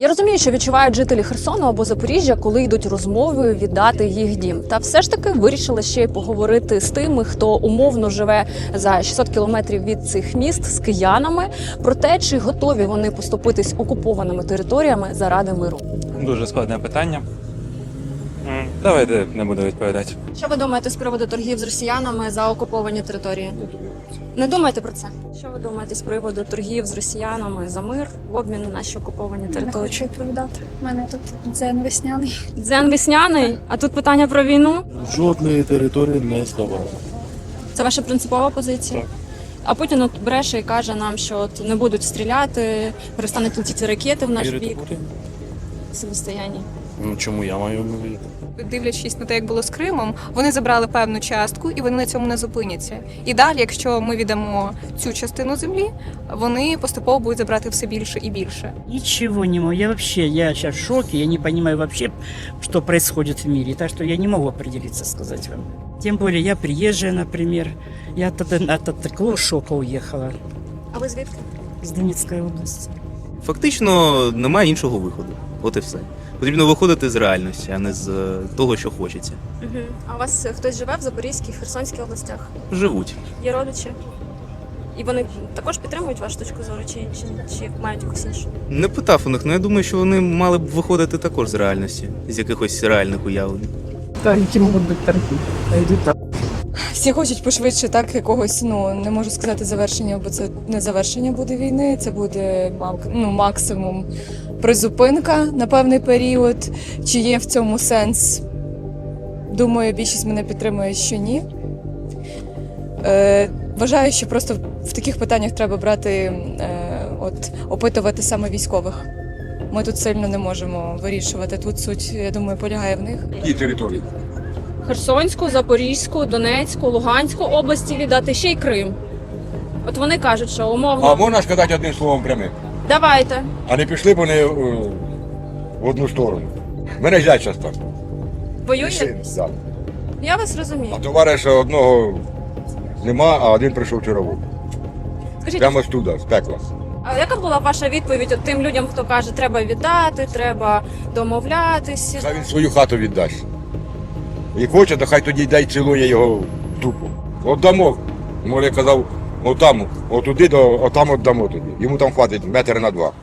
Я розумію, що відчувають жителі Херсону або Запоріжжя, коли йдуть розмови віддати їх дім. Та все ж таки вирішила ще й поговорити з тими, хто умовно живе за 600 кілометрів від цих міст, з киянами, про те, чи готові вони поступитись окупованими територіями заради миру. Дуже складне питання. Давайте не буду відповідати. Що ви думаєте з приводу торгів з росіянами за окуповані території? Не думаєте про це? Що ви думаєте з приводу торгів з росіянами за мир в обмін на наші окуповані Не території? хочу відповідати. У мене тут дзен весняний. Дзен весняний, а тут питання про війну. Жодної території не здавали. Це ваша принципова позиція? Так. А Путін от бреше і каже нам, що от не будуть стріляти, перестануть летіти ракети в наш Вірите бік. Путіну? Самостояння. Ну чому я маю вірити? Дивлячись на те, як було з Кримом, вони забрали певну частку і вони на цьому не зупиняться. І далі, якщо ми віддамо цю частину землі, вони поступово будуть забрати все більше і більше. Ничего не могу. Я сейчас в шоке. Я не понимаю вообще, что происходит в мире. Так что я не могу определиться, сказать вам. Тем более я приезжая, например. Я от такого шока уехала А ви звідки? из Донецкой области. Фактично немає іншого виходу. От і все. Потрібно виходити з реальності, а не з того, що хочеться. Угу. А у вас хтось живе в Запорізькій, Херсонській областях? Живуть. Є родичі? І вони також підтримують вашу точку зору, чи мають якусь іншу? Не питав у них, але я думаю, що вони мали б виходити також з реальності, з якихось реальних уявлень. Та які можуть бути торги? Йдуть так. Всі хочуть пошвидше так якогось, не можу сказати завершення, бо це не завершення буде війни, це буде максимум призупинка на певний період. Чи є в цьому сенс? Думаю, більшість мене підтримує, що ні. Вважаю, що просто в таких питаннях треба брати, опитувати саме військових. Ми тут сильно не можемо вирішувати. Тут суть, я думаю, полягає в них. Які території? Херсонську, Запорізьку, Донецьку, Луганську області віддати, ще й Крим. От вони кажуть, що умовно... А можна сказати одним словом прямим? Давайте. А не пішли б вони в одну сторону. Мене зять зараз там. Воює? Да. Я вас розумію. А товариша одного нема, а один прийшов вчора. Скажіть, Прямо з туди, з пекла. а яка була ваша відповідь от тим людям, хто каже, треба віддати, треба домовлятися? Хай він свою хату віддасть. І хоче, то хай тоді йде й цілує його в дупу. Отдамо. Може, я казав, отам, отуди, отам отдамо тоді. Йому там хватить 1 метр на 2.